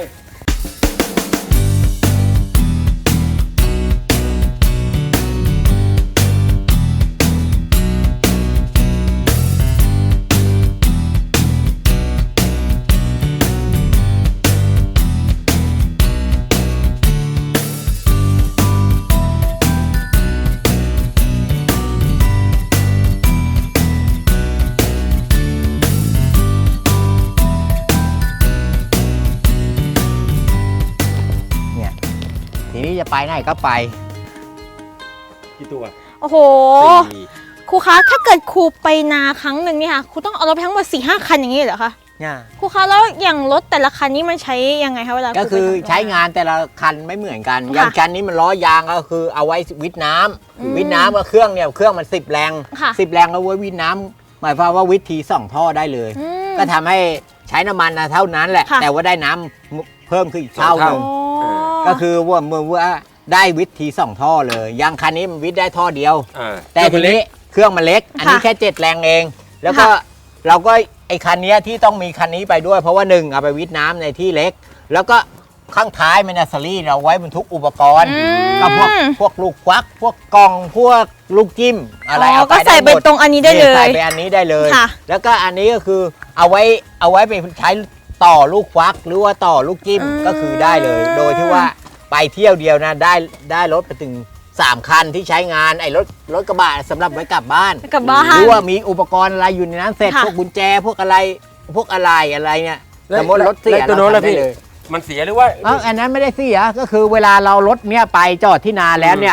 Speaker 2: เนี่ยทีนี้จะไปไหนก็ไป
Speaker 3: กี่ตัว
Speaker 1: โอ้โห
Speaker 3: สี่
Speaker 1: ครูคะ ถ้าเกิดครูไปนาครั้งหนึ่งเนี่ยค่ะ ครูต้องเอารถไปทั้งหมด4-5 คันอย่างนี้เหรอคะ
Speaker 2: เนี่ย
Speaker 1: ครูคะ แล้วอย่างรถแต่ละคันนี้มันใช้ยังไงคะเวลา
Speaker 2: ก็คือ
Speaker 1: รูไปทำ
Speaker 2: ใช้งานแต่ละคันไม่เหมือนกัน
Speaker 1: ค่ะ
Speaker 2: อย่างคันนี้มันล้อยางก็คือเอาไว้วิทน้ำ
Speaker 1: อืม
Speaker 2: วิทน้ำก็เครื่องเนี่ยเครื่องมัน10 แรง
Speaker 1: ค่ะ
Speaker 2: 10 แรงเอาไว้วิทน้ำหมายความว่าวิทที2 ท่อได้เลย
Speaker 1: อืม
Speaker 2: ก็ทำให้ใช้น้ำมันนะเท่านั้นแหละ
Speaker 1: ค่ะ
Speaker 2: แต่ว่าได้น้ำเพิ่มขึ้นอีกเท่าห
Speaker 1: โอ้
Speaker 2: นึ่งก็คือว่าได้วิทที2 ท่อเลยอย่างคันนี้มันวิทได้ท่อเดียว แต่ทีนี้เครื่องมันเล็ก อันนี้แค่7 แรงเอง แล้วก็
Speaker 1: ค่ะ
Speaker 2: เราก็ไอ้คันนี้ที่ต้องมีคันนี้ไปด้วย เพราะว่า1เอาไปวิทน้ำในที่เล็ก แล้วก็ข้างท้ายมันซารี่เราไว้บรรทุกอุปกรณ์
Speaker 1: อืม
Speaker 2: ก็พวกลูกควัก พวกกล่องพวกลูกจิ้มอะไรเอาไป
Speaker 1: ก็ใส่ไป
Speaker 2: ด้หมด
Speaker 1: ตรงอันนี้ได้เลย
Speaker 2: ใส่ไปอันนี้ได้เลย
Speaker 1: ค่ะ
Speaker 2: แล้วก็อันนี้ก็คือเอาไว้ไปใช้ต่อลูกควักหรือว่าต่อลูกจิ้ม
Speaker 1: อืม
Speaker 2: ก็คือได้เลย โดยที่ว่าไปเที่ยวเดียวนะได้รถไปถึง3 คันที่ใช้งานไอ้รถกระบะสำหรับไว้กลับบ้าน
Speaker 1: กลับบ้าน
Speaker 2: หรือว่ามีอุปกรณ์อะไรอยู่ในนั้นเสร็จ
Speaker 1: ค่ะ
Speaker 2: พวกกุญแจพวกอะไรเนี่ยสมมติรถเสีย
Speaker 3: ตัวโน้น
Speaker 2: เรา
Speaker 3: แล้ว
Speaker 2: ทำได้
Speaker 3: พี่
Speaker 2: เลย
Speaker 3: มันเสียหรือว่า
Speaker 2: อันนั้นไม่ได้เสียก็คือเวลาเรารถเนี่ยไปจอดที่นาแล้วเนี่ย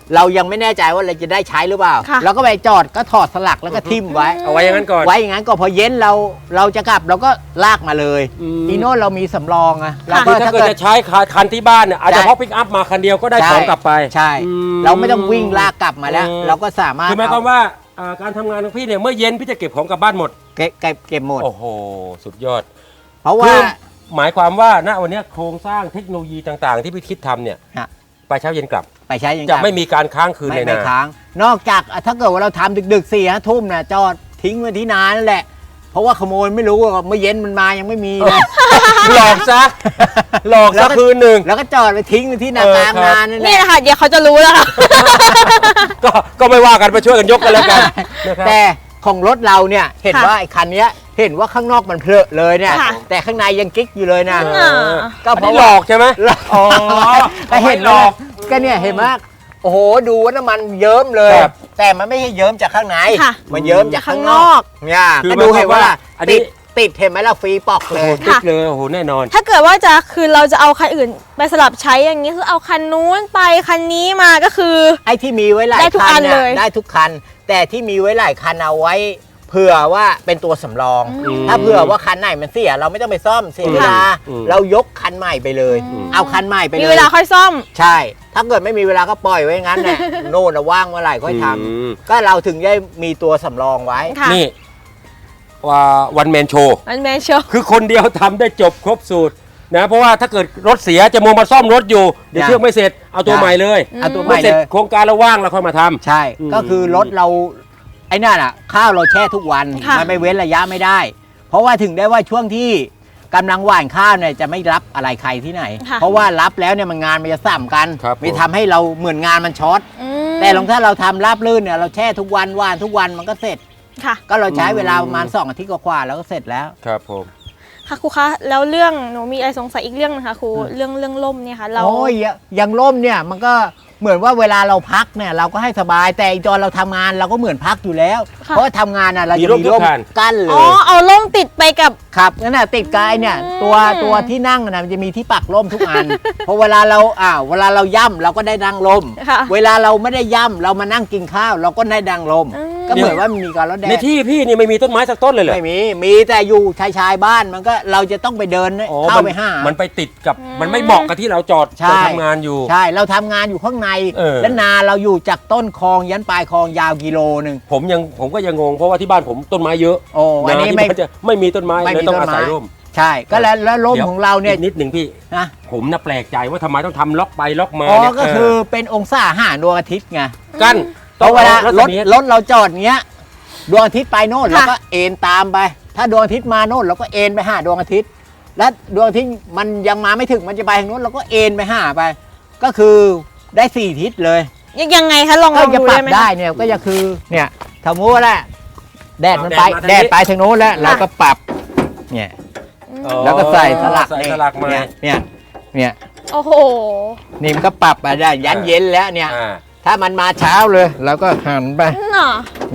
Speaker 2: เรายังไม่แน่ใจว่าเราจะได้ใช้หรือเปล่า
Speaker 1: ค่ะ
Speaker 2: เราก็ไปจอดก็ถอดสลักแล้วก็ทิ่มไว้
Speaker 3: เอาไว้อย่างนั้นก่อน
Speaker 2: ไว้อย่างนั้นก็พอเย็นเราจะกลับเราก็ลากมาเลย อีโน่เรามีสำรองอะเราก็
Speaker 3: คือถ้าเกิดจะใช้คันที่บ้านเนี่ยอาจจะ
Speaker 2: ใช่
Speaker 3: พกปิกอัพมาคันเดียวก็ได้ของกลับไป
Speaker 2: ใช่
Speaker 3: อืม
Speaker 2: เราไม่ต้องวิ่งลากกลับมาแล้ว เราก็สามารถ
Speaker 3: คือหมายความว่าการทำงานของพี่เนี่ยเมื่อเย็นพี่จะเก็บของกลับบ้านหมด
Speaker 2: เก็บหมด
Speaker 3: โอ้โหสุดยอด
Speaker 2: เพราะว่า
Speaker 3: คือหมายความว่าณวันนี้โครงสร้างเทคโนโลยีต่างๆ ที่พี่คิดทำเนี่ย
Speaker 2: ฮะ
Speaker 3: ไปเช้าเย็นกลับ
Speaker 2: ไปใช้อย่าง
Speaker 3: จะไม่มีการค้างคืน
Speaker 2: ไม่
Speaker 3: ใน
Speaker 2: ไม่
Speaker 3: นา
Speaker 2: ค้าง นอกจากถ้าเกิดว่าเราทำดึกๆ4-5 ทุ่มนะจอดทิ้งไว้ที่นานั่นแหละ เพราะว่าขโมยไม่รู้ว่าเมื่อเย็นมันมายังไม่มีนะ
Speaker 3: หลอกซะหลอก
Speaker 2: แล้
Speaker 3: ซะ
Speaker 2: วก็
Speaker 3: คืนหนึ่ง
Speaker 2: แล้วก็จอดไปทิ้งไว้ที่นากลาง
Speaker 3: ครับ
Speaker 2: นานั่นแห
Speaker 1: นี่
Speaker 2: ละ
Speaker 1: แหละค่ะเดี๋ยวเขาจะรู้แล้วค่ะ
Speaker 3: ก็ไม่ว่ากันไปช่วยกันยกกันแล้วกันนะครับ
Speaker 2: แต่ของรถเราเนี่ยเห็น
Speaker 1: ค่ะ
Speaker 2: ว่าไอ้คันเนี้ยเห็นว่าข้างนอกมันเพลอะเลยเนี่ย
Speaker 1: ค่ะ
Speaker 2: แต่ข้างในยังกิ๊กอยู่เลยนะ
Speaker 1: อ่า
Speaker 2: ก็
Speaker 3: อัน
Speaker 2: เพ
Speaker 3: นี้
Speaker 2: ราะ
Speaker 3: หล
Speaker 2: ว่า
Speaker 3: อกใช่ไหม อ๋อ
Speaker 2: ก็เห็น
Speaker 3: หล
Speaker 2: ว่า
Speaker 3: อก
Speaker 2: ก็เนี่ยเห็นว่าโอ้โหดูว่าน้ำมันเยิ้มเลย
Speaker 3: ครับ
Speaker 2: แต่มันไม่ใช่เยิ้มจากข้างใน
Speaker 1: ค่ะ
Speaker 2: มันเยิ้มจากข้างนอกเนี่ย
Speaker 3: คือ
Speaker 2: ก็ดูเห็นว่า
Speaker 3: อันนี้
Speaker 2: ติดเห็นไหมล่ะฟรีปอกเลย
Speaker 3: ติ๊กเลยโอ้โหแน่นอน
Speaker 1: ถ้าเกิดว่าจะคือเราจะเอาคันอื่นไปสลับใช้อย่างนี้คือเอาคันนู้นไปคันนี้มาก็คือ
Speaker 2: ไอ้ที่มีไว้หลาย
Speaker 1: ได้ทุก
Speaker 2: คั
Speaker 1: อั
Speaker 2: น
Speaker 1: น
Speaker 2: เนี่ย
Speaker 1: เลย
Speaker 2: ได้ทุกคัน แต่ที่มีไว้หลายคันเอาไว้เผื่อว่าเป็นตัวสำรอง
Speaker 3: อืม
Speaker 2: ถ้าเผื่อว่าคันไหนมันเสียเราไม่ต้องไปซ่อมเสียเวลา
Speaker 3: อืม
Speaker 2: เรายกคันใหม่ไปเลย เอาคันใหม่ไปเลย
Speaker 1: มีเวลาค่อยซ่อม
Speaker 2: ใช่ ถ้าเกิดไม่มีเวลาก็ปล่อยไว้งั้นแหละ โน่นนะว่างเมื่อไหร่ค่อยท
Speaker 3: อืม
Speaker 2: ำก็เราถึงได้มีตัวสำรองไว้
Speaker 1: ค่ะ
Speaker 3: นี่ว่าวันแมนโชว์
Speaker 1: มันแมนโชว์
Speaker 3: คือคนเดียวทำได้จบครบสูตรนะเพราะว่าถ้าเกิดรถเสียจะมัวมาซ่อมรถอยู่ เดี๋ยว
Speaker 2: ได้
Speaker 3: เครื่องไม่เสร็จเอาตัว
Speaker 2: ได้
Speaker 3: ใหม่เลย
Speaker 2: เอาตัวให
Speaker 3: เมื่
Speaker 2: ม่
Speaker 3: อเสร็จ
Speaker 2: เลย
Speaker 3: โครงการเราว่างเราค่อยมาทำ
Speaker 2: ใช่
Speaker 3: อืม
Speaker 2: ก็คือรถเราไอ้นั่นอ่ะ ข้าวเราแช่ทุกวัน
Speaker 1: ค่ะ
Speaker 2: มันไม่เว้นระยะไม่ได้ เพราะว่าถึงได้ว่าช่วงที่กำลังหว่านข้าวเนี่ยจะไม่รับอะไรใครที่ไหน
Speaker 1: ค่ะ
Speaker 2: เพราะว่ารับแล้วเนี่ยมันงานมันจะซ้ำกัน
Speaker 3: ครับ
Speaker 2: ไม่ทำให้เราเหมือนงานมันช็อต
Speaker 1: อืม
Speaker 2: แต่ลองถ้าเราทำราบลื่นเนี่ยเราแช่ทุกวันหว่านทุกวันมันก็เสร็จ
Speaker 1: ค่ะ
Speaker 2: ก็เราใช้เวลาประมาณ2 อาทิตย์กว่าๆแล้วก็เสร็จแล้ว
Speaker 3: ครับผม
Speaker 1: ค่ะครูคะแล้วเรื่องหนูมีอะไรสงสัยอีกเรื่องนะคะครูเรื่องล่มเนี่ยค่ะเรา
Speaker 2: โอ้ยอย่างร่มเนี่ยมันก็เหมือนว่าเวลาเราพักเนี่ยเราก็ให้สบายแต่อีกตอนเราทำงานเราก็เหมือนพักอยู่แล้ว
Speaker 1: ค่ะ
Speaker 2: เพราะว่าทำงานอ่ะเราจะ
Speaker 3: มีร่ม
Speaker 2: มีร่ม
Speaker 3: ทุกคัน
Speaker 2: กั้นเล
Speaker 1: อ๋อย เอาล่มติดไปกับ
Speaker 2: ครับนั่นน่ะติดกายเนี่ย
Speaker 1: อืม
Speaker 2: ตัวที่นั่งน่ะมันจะมีที่ปักร่มทุกอัน เพราะเวลาเราเวลาเราย่ำเราก็ได้นั่งร่ม
Speaker 1: ค่ะ
Speaker 2: เวลาเราไม่ได้ย่ำเรามานั่งกินข้าว เราก็ได้นั่งร่ม
Speaker 1: อืม
Speaker 2: ก็เหมือนว่ามันมีการรถแด
Speaker 3: ใน
Speaker 2: ด
Speaker 3: ที่พี่นี่ไม่มีต้นไม้สักต้นเลยเหรอ
Speaker 2: ไม่มีแต่อยู่ชายบ้านมันก็เราจะต้องไปเดิน
Speaker 3: อ๋อ
Speaker 2: เข้าไปหา
Speaker 3: มันไปติดกับมันไม่เหมาะกับที่เราจอด
Speaker 2: ใช่
Speaker 3: ทำงานอยู่
Speaker 2: ใช่เราทำงานอยู่ข้างใน
Speaker 3: เออ
Speaker 2: และนาเราอยู่จากต้นคลองยันปลายคลองยาวกิโลหนึ่ง
Speaker 3: ผมก็ยังงงเพราะว่าที่บ้านผมต้นไม้เยอะ
Speaker 2: โอ้อันนี้
Speaker 3: ที่
Speaker 2: ไม่
Speaker 3: บ้าจะไม่มีต้นไม้
Speaker 2: ไม่
Speaker 3: เลย
Speaker 2: มี
Speaker 3: ต้อง
Speaker 2: ต้น
Speaker 3: อาศัย
Speaker 2: ไม้
Speaker 3: ร่ม
Speaker 2: ใช่ก็แล้วร่มของเราเนี่ย
Speaker 3: อีกนิดหนึ่งพี่
Speaker 2: นะ
Speaker 3: ผมน่ะแปลกใจว่าทำไมต้องทำล็อกไปล็อกมา
Speaker 2: อ๋อ
Speaker 3: เนี่ย
Speaker 2: ก็คือเป็นองศาหารดวงอาทิตย์ไง
Speaker 3: กั้น
Speaker 2: เพราะเวลา
Speaker 3: ต้อง
Speaker 2: ร
Speaker 3: อ
Speaker 2: ถ
Speaker 3: รัศมี
Speaker 2: รถเราจอดเงี้ยดวงอาทิตย์ไปโน่น
Speaker 1: ค่ะ
Speaker 2: เราก็เอ็นตามไป ถ้าดวงอาทิตย์มาโน่นเราก็เอ็นไปหาดวงอาทิตย์ และดวงอาทิตย์มันยังมาไม่ถึงมันจะไปทางโน้นเราก็เอ็นไปหาไป ก็คือได้4 ทิศเลย
Speaker 1: ยังไงคะลอง
Speaker 2: ก็จะ
Speaker 1: ดู
Speaker 2: ปรั
Speaker 1: ได้
Speaker 2: บ
Speaker 1: ไหม
Speaker 2: ได้
Speaker 1: คะ
Speaker 2: เนี่ยก็จะคือเนี่ยสมมติว่าแหละแดดมันไป
Speaker 3: แดดมาทางนี้
Speaker 2: แดดไปทางโน้นแล้วเราก็ปรับเนี่ย
Speaker 3: อ๋อ
Speaker 2: แล้วก็ใส่สลัก
Speaker 3: ใส่สลักมา
Speaker 2: เนี่ย
Speaker 1: โอ้โห
Speaker 2: นี่มันก็ปรับไปได้ยันเย็นแล้วเนี่ย
Speaker 3: อ่า
Speaker 2: ถ้ามันมาเช้าเลยเราก็หันไป
Speaker 1: น่ะ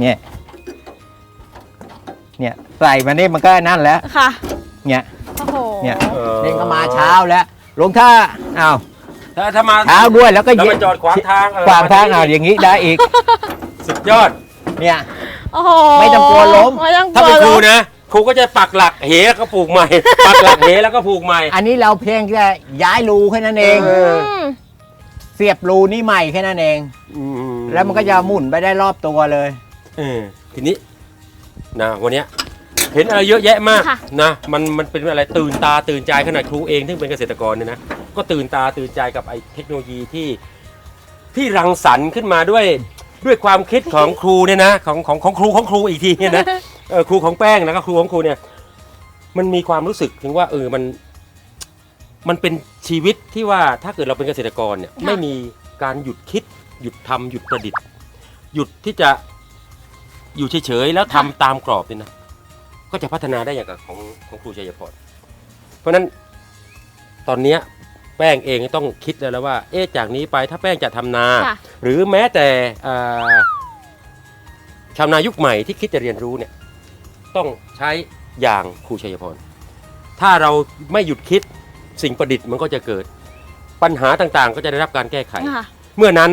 Speaker 2: เนี่ยใส่มานี่มันก็นั่นแล้ว
Speaker 1: ค่ะ
Speaker 2: เนี่ย
Speaker 1: โอ้โห
Speaker 2: เนี่ย
Speaker 3: เออ
Speaker 2: นี่ก็มาเช้าแล้วลงถ้าอ้าว
Speaker 3: ถ้ามา
Speaker 2: เช้าด้วยแล้วก็
Speaker 3: แล้วมาจอดขวางทาง
Speaker 2: ขวางทางเอาอย่างนี้ได้อีก
Speaker 3: สุดยอด
Speaker 2: เนี่ย
Speaker 1: โอ้โห
Speaker 2: ไม่ต้องกลัวล้ม
Speaker 1: ไม่ต้องก
Speaker 3: ถ้า
Speaker 1: ลัว
Speaker 3: เป็นครู
Speaker 1: ล้ม
Speaker 3: นะครูก็จะปักหลักเหแล้วก็ปลูกใหม่ ปักหลักเหแล้วก็ปลูกใหม่
Speaker 2: อันนี้เราเพียงแค่ย้ายรูแค่นั้นเอง
Speaker 3: เออ
Speaker 1: ม
Speaker 2: เสียบรูนี่ใหม่แค่นั้นเอง แล้วมันก็จะหมุนไปได้รอบตัวเลย
Speaker 3: ทีนี้นะวันเนี้ยเห็นอะไรเยอะแยะมาก
Speaker 1: ค่ะ
Speaker 3: นะมันเป็นอะไรตื่นตาตื่นใจขนาดครูเองที่เป็นเกษตรกรเนี่ยนะก็ตื่นตาตื่นใจกับไอ้เทคโนโลยีที่รังสรรค์ขึ้นมาด้วยความคิดของครูเนี่ยนะของครูอีกทีเนี่ยนะครูของแป้งแล้วก็ครูของครูเนี่ยมันมีความรู้สึกถึงว่ามันเป็นชีวิตที่ว่าถ้าเกิดเราเป็นเกษตรกรเนี่ย
Speaker 1: ค่ะ
Speaker 3: ไม่มีการหยุดคิดหยุดทำหยุดประดิษฐ์ หยุดที่จะอยู่เฉยๆแล้วทำตามกรอบเนี่ยนะก็จะพัฒนาได้อย่างกับของครูชัยพรเพราะฉะนั้นตอนเนี้ยแป้งเองต้องคิดแล้วว่าจากนี้ไปถ้าแป้งจะทำนา
Speaker 1: ค่ะ
Speaker 3: หรือแม้แต่ชาวนายุคใหม่ที่คิดจะเรียนรู้เนี่ยต้องใช้อย่างครูชัยพรถ้าเราไม่หยุดคิดสิ่งประดิษฐ์มันก็จะเกิดปัญหาต่างๆ ก็จะได้รับการแก้ไข
Speaker 1: ค่ะ
Speaker 3: เมื่อนั้นน่ะ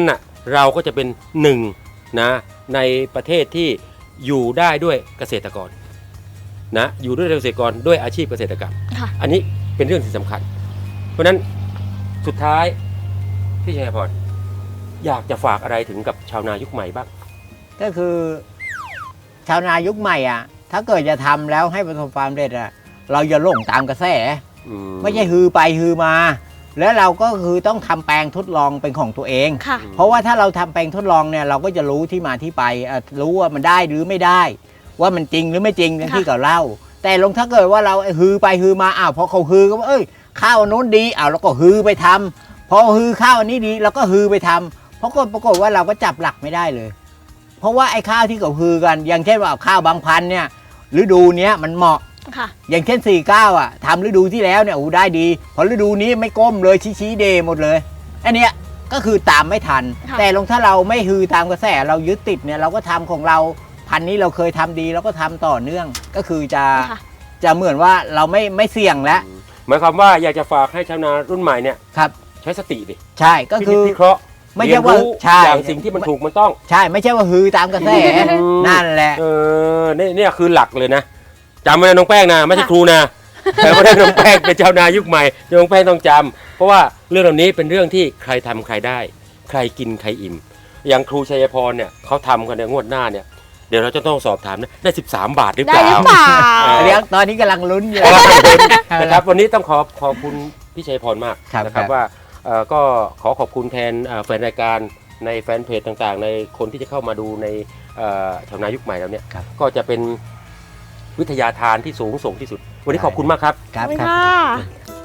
Speaker 3: เราก็จะเป็นหนึ่งนะในประเทศที่อยู่ได้ด้วยเกษตรกรนะอยู่ด้วยเกษตรกรด้วยอาชีพเกษตรกรรม
Speaker 1: ค่ะ
Speaker 3: อันนี้เป็นเรื่องที่สำคัญ เพราะฉะนั้นสุดท้ายพี่ชัยพรอยากจะฝากอะไรถึงกับชาวนายุคใหม่บ้าง
Speaker 2: ก็คือชาวนายุคใหม่อ่ะถ้าเกิดจะทำแล้วให้ประสบความสำเร็จอ่ะเราอย่าหลงตามกระแส ไม่ใช่ฮือไปฮือมา แล้วเราก็คือต้องทำแปลงทดลองเป็นของตัวเอง
Speaker 1: ค่ะ
Speaker 2: เพราะว่าถ้าเราทำแปลงทดลองเนี่ยเราก็จะรู้ที่มาที่ไปรู้ว่ามันได้หรือไม่ได้ ว่ามันจริงหรือไม่จริงอย่างที่เขาเล่า แต่ลงถ้าเกิดว่าเราฮือไปฮือมาพอเขาฮือก็ว่าข้าวอันโน้นดีเราก็ฮือไปทำพอฮือข้าวอันนี้ดีเราก็ฮือไปทำเพราะก็ปรากฏว่าเราก็จับหลักไม่ได้เลย เพราะว่าไอ้ข้าวที่เขาฮือกันอย่างเช่นว่าข้าวบางพันธุ์เนี่ยฤดูเนี้ยมันเหมาะ
Speaker 1: ค่ะ
Speaker 2: อย่างเช่น49ทำฤดูที่แล้วเนี่ยได้ดีพอฤดูนี้ไม่ก้มเลยชี้เดหมดเลยอันเนี้ยก็คือตามไม่ทัน แต่ลงถ้าเราไม่ฮือตามกระแสเรายึดติดเนี่ยเราก็ทำของเราพันนี้เราเคยทำดีเราก็ทำต่อเนื่องก็คือจะเหมือนว่าเราไม่เสี่ยงแล้ว
Speaker 3: หมายความว่าอยากจะฝากให้ชาวนารุ่นใหม่เนี่ย
Speaker 2: ครับ
Speaker 3: ใช้สติดิ
Speaker 2: ใช่ก็คือ
Speaker 3: พิเคราะห์
Speaker 2: ไม่ใช่ว่า
Speaker 3: เรียนรู้
Speaker 2: ใช่
Speaker 3: อย่างสิ่งที่มันถูกมันต้อง
Speaker 2: ใช่ไม่ใช่ว่าฮือตามกระแสนั่นแหละ
Speaker 3: เนี่ยคือหลักเลยนะจำไว้นะน้องแป้งนะไม่ใช่ครูนะแต่ว่าน้องแป้งเป็นชาวนายุคใหม่น้องแป้งต้องจำเพราะว่าเรื่องเหล่านี้เป็นเรื่องที่ใครทำใครได้ ใครกินใครอิ่มอย่างครูชัยพรเนี่ยเขาทำกันในงวดหน้าเนี่ยเดี๋ยวเราจะต้องสอบถามนะได้13 บาทหรือเป
Speaker 1: ได้
Speaker 3: ล่า
Speaker 1: หรือเปล่า
Speaker 2: เดี๋ยวตอนนี้กำลังลุ้นอยู่
Speaker 3: นะครับวันนี้ต้องขอบคุณพี่ชัยพรมาก
Speaker 2: ครับ
Speaker 3: นะครับ
Speaker 2: ครับ
Speaker 3: ว่าก็ขอบคุณแทนแฟนรายการในแฟนเพจต่างๆ ในคนที่จะเข้ามาดูในชาวนายุคใหม่แล้วเนี่ย
Speaker 2: ครับ
Speaker 3: ก็จะเป็นวิทยาทานที่สูงส่งที่สุด วันนี้ขอบคุณมากครับ
Speaker 2: ครับ
Speaker 1: ขอบคุณ
Speaker 2: ครับ
Speaker 1: ค่ะ